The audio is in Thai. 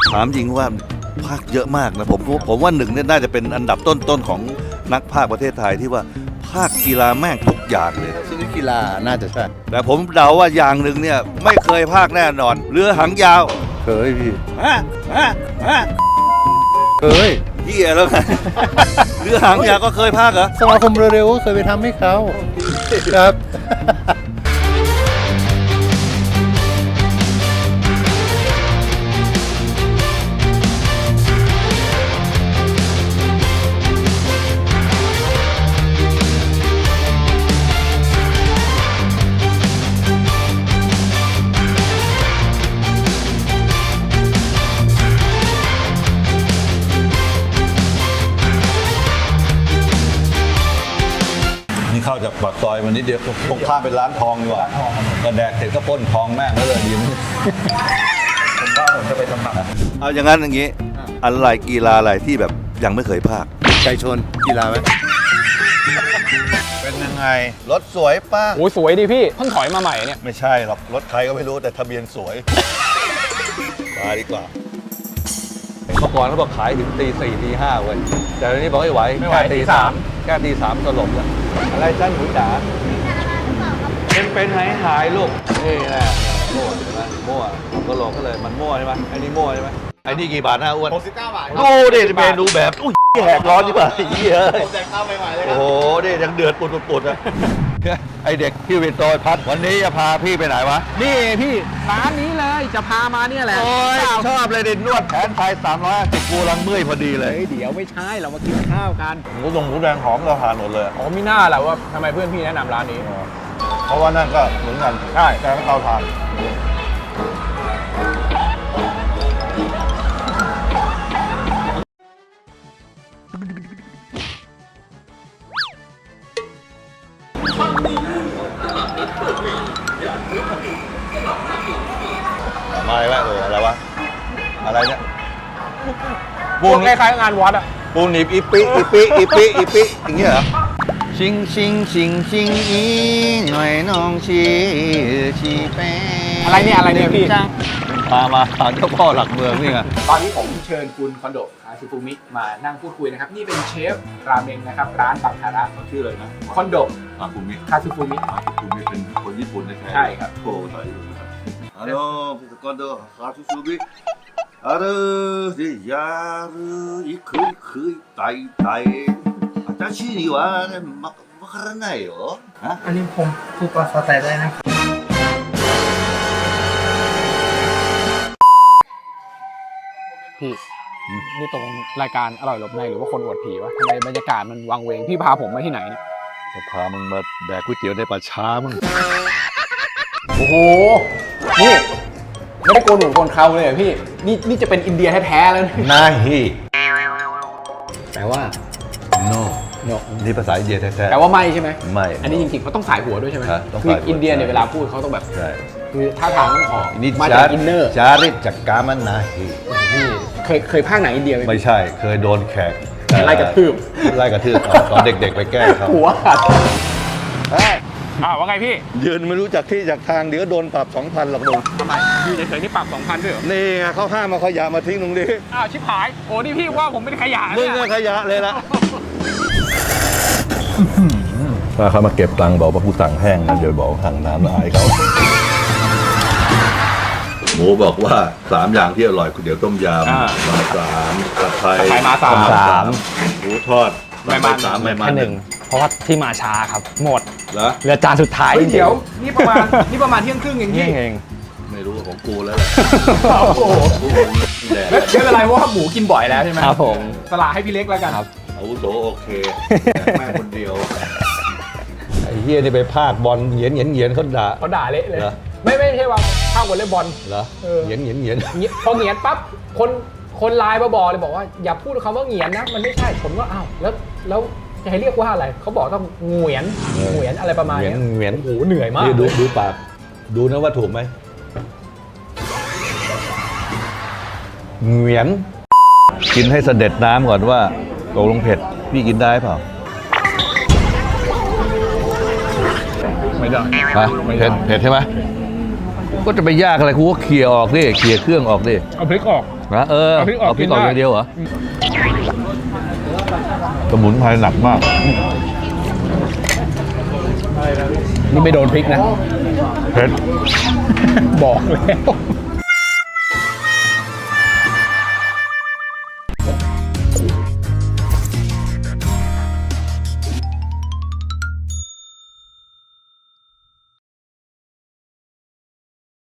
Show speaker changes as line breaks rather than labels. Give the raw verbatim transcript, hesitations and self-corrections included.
ถามจริงว่าภาคเยอะมากนะผมผมว่าหนึ่งเนี่ยน่าจะเป็นอันดับต้นๆของนักภาคประเทศไทยที่ว่าภาคกีฬาแม่งทุกอย่างเลย
ชนิดกีฬาน่าจะใช่
แต่ผมเดาว่าอย่างหนึ่งเนี่ยไม่เคยภาคแน่นอนเรือหางยาวเคยพี่ฮะฮะฮะ
เคย
เฮียแล้วไง เรือหางยาวก็เคยภาคเหรอ
สมาคมเร็วๆก็เคยไปทำให้เขาครับ
เข้าจากปากซอยมันนิดเดียวตรงข้ามเป็นร้านทองดีกว่าก็แดกเสร็จก็ปล้นทองแม่งแล้วเลยดีมั้ยผมว่าผมจะไปสมัคร
เอาอย่างนั้นอย่างนี้อะไรกีฬาอะไรที่แบบยังไม่เคยภาค
ไก่ชนกีฬาไหม
เป็นยังไงรถสวยป้า
โอ้สวยดิพี่เพิ่งถอยมาใหม่เนี่ย
ไม่ใช่หรอกรถใครก็ไม่รู้แต่ทะเบียนสวยมาดีกว่าเมื่อก่อนเขาบอกขายถึงตีสี่ตีห้าเว้ยแต่ตอนนี้บอกไม่ไหว
ไม่ไหวตีสาม
แค่ตีสามก็หลบแล้วอะไรจ้าหนูจ๋าเป็นเป็นหายหายลูกนี่แหละมั่วใช่ไหมมั่วก็หลอกก็เลยมันมั่วใช่ไหมไอ้นี่มั่วใช่ไหมไอ้นี่กี่บาทนะอ้วน
หกสิบเก้าบาท
ดูดิเมนูแบบอุ้ยแหกร้อนดีกว่าไอ้เหี้ย
ผมแจกข้าวใหม่ๆเลยครับ
โอ้โหนี่ยังเดือดปุดปุดอ่ะไอเด็กพี่วินโตยพัดวันนี้จะพาพี่ไปไหนวะ
นี่พี่ร้านนี้เลยจะพามาเนี่ยแหละ
โอ้ยชอบเลยดินวดแผนไทยสามร้อยห้าสิบกูรังเมื่อยพอดีเลย
เดี๋ยวไม่ใช่เรามากินข้าวกัน
หมูตรงหมูแดงหอมเราทานหมดเลย
อ๋อมีหน้าแหละว่าทำไมเพื่อนพี่แนะนำร้านนี้
เพราะว่านั่นก็เหมือนกัน
ใช่
แต่เราทานมาอะไรวะเอออะไรวะอะไรเนี่ย
ปูนคล้ายๆงานวัดอะ
ปูนหนีบอีปิอีปิอีปิอีปิอย่างเงี้ยเหรอชิงชิงชิงชิงอีหน่อยน้องชีชีแป้
อะไรเนี่ยอะไรเนี่ยพี่
พามาหาเจ้าพ่อหลักเมืองนี่ไง
ตอนนี้ผมเชิญคุณคอนโดคาซูฟูมิมานั่งพูดคุยนะครับนี่เป็นเชฟราเมงนะครับร้านบังคาระ
เขาชื่ออะไรนะ
คอนโด
คาซูมิ
คาซูฟูมิ
คาซูฟูมิเป็นคนญี่ปุ่นใช่ไหม
ใช่ครับ
โอ้ใช่ฮัลโหลคอนโดคาซูฟูมิあるでやるいくいくいたいたい私にはねわわからないよ
อันนี้ผมพูดภาษาไทยได้นะ
พี่นี่ตรงรายการอร่อยหลบในหรือว่าคนอวดผีวะทำไมบรรยากาศมันวังเวงพี่พาผมมาที่ไหนเนี่ย
จะพามึงมาแดกก๋วยเตี๋ยวในป่าช้ามึง
โอ้โหนี่ไม่ได้โกนหนูโกนเขาเลยพี่นี่นี่จะเป็นอินเดียแท้ๆแล้ว
นาฮี
แปลว่า
no
no
นี่ภาษาอินเดียแท้ๆ
แปลว่าไม่ใช่ไหม
ไม่
อันนี้จริงๆเขาต้องสายหัวด้วยใช่ไหมคืออินเดียเนี่ยเวลาพูดเขาต้องแบบคือท่าทางต้องออกมาจากอินเนอร์
จาริตจากกามันนาฮี
นี่เคยเคยภาคไหนอินเดียไหม
ไม่ใช่เคยโดนแขก
ไล่กระทืบ
ไล่กระทืบตอนเด็กๆไปแก้เขา
หัวขาดอ้าวว่าไงพี่
ยืนไม่รู้จักที่จากทางเดี๋ยวโดนปรับ สองพัน หรอกมึง
ทำไมยืนเฉยๆนี่ปรับ สองพัน ด้วยเหรอ
นี่ไงเขาห้ามมาขยะมาทิ้งตรงนี้
อ้าวชิบหายโอ้นี่พี่ว่าผมเป็นขยะ
มึงเป็นขยะเลยละถ้าเขามาเก็บตังค์บอกว่าผู้สั่งแห้งนะเดี๋ยวบอกสั่งน้ำละอายเขาหมูบอกว่าสามอย่างที่อร่อยก๋วยเตี๋ยวต้มยำมาสามกระไทย
มาสาม
หมูทอด
ไม่มาสามไม่มาหนึ่งเพราะว่าที่มาช้าครับหมดเหรอเหลือจานสุดท้ายเดี๋ยวนี่ประมาณนี่ประมาณเที่ยงครึ่งเองพี่เอง
ไม่รู้ว่าของกูแล้วแหละ
โอ้โหไม่เป็นไรเพราะว่าหมูกินบ่อยแล้วใช่ไหมครับผมสละให้พี่เล็กแล้วกันครับ
อาวุโสโอเคแม่คนเดียวไอ้เฮียนี่ไปพากบอลเหยียนเหยียนเหยียนเขาด่า
เขาด่าเละเลยไม่ไม่ใช่ว่าพากวอลเลย์บอล
เหรอเหยียนเหยียนเหยียน
พอเหยียนปั๊บคนคนไลน์มาบอกเลยบอกว่าอย่าพูดคำว่าเหงียนนะมันไม่ใช่ผมว่าอ้าวแล้วแล้วจะให้เรียกว่าอะไรเขาบอกต้องเหงียนเหงียนอะไรประมาณนี้
เหงียน
โอ้โหเหนื่อยมาก
ดูดูปากดูนะว่าถูกไหมเหงียนกินให้เสด็จน้ำก่อนว่าตกลงเผ็ดพี่กินได้เปล่า
ไม่ได้
เผ็ดเผ็ดใช่ไหมก็จะไปยากอะไรกูก็เคี่ยออกดิเคี่ยเครื่องออกดิ
เอาพริกออก
นะเออ
เอาพริกออก
เอาพริกออก
กินได้
อย่างเดียวเหรอสมุนไพรหนักมาก
นี่ไม่โดนพริกนะ
เผ็ด
บอกแล้ว